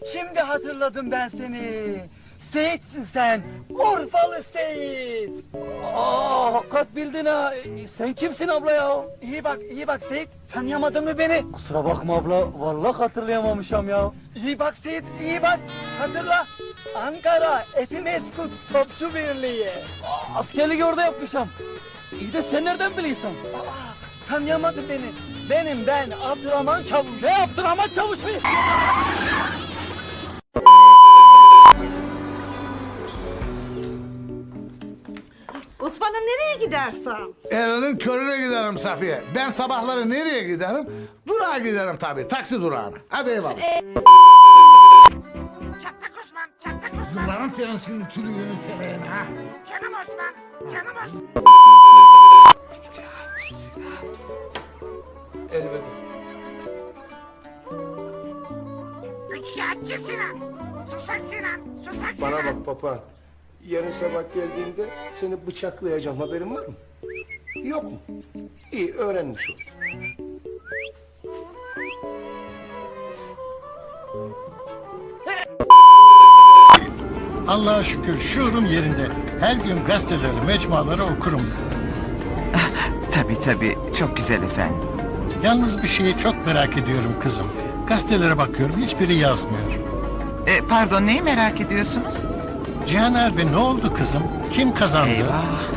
Şimdi hatırladım ben seni. Seyit'sin sen. Urfalı Seyit. Aa, hakikat bildin ha. Sen kimsin abla ya? İyi bak Seyit. Tanıyamadın mı beni? Kusura bakma abla. Vallahi hatırlayamamışım ya. İyi bak Seyit, iyi bak. Hatırla. Ankara Etimeskut Topçu Birliği. Askerlik orada yapmışım. İyi de sen nereden biliyorsun? Tanıyamadın beni. Ben Abdurrahman Çavuş. Ne yaptın ama çavuş mu? Osman'ım nereye gidersin? Elinin körüne giderim Safiye. Ben sabahları nereye giderim? Durağa giderim tabii, taksi durağına. Hadi eyvallah. Çatlak Osman, Çatlak Osman. Yıllarım senin şimdi tülüğünü teleğine ha. Canım Osman, canım Osman. Üçkağıtçı Sinan. Susak Sinan, susak Sinan. Bana bak papağan. Yarın sabah geldiğimde seni bıçaklayacağım, haberin var mı? Yok mu? İyi, öğrenmiş ol. Allah'a şükür şuurum yerinde. Her gün gazeteleri, mecmuaları okurum. Tabii çok güzel efendim. Yalnız bir şeyi çok merak ediyorum kızım. Gazetelere bakıyorum, hiçbiri yazmıyor. Pardon, neyi merak ediyorsunuz? Cihan Erbe ne oldu kızım? Kim kazandı? Eyvah.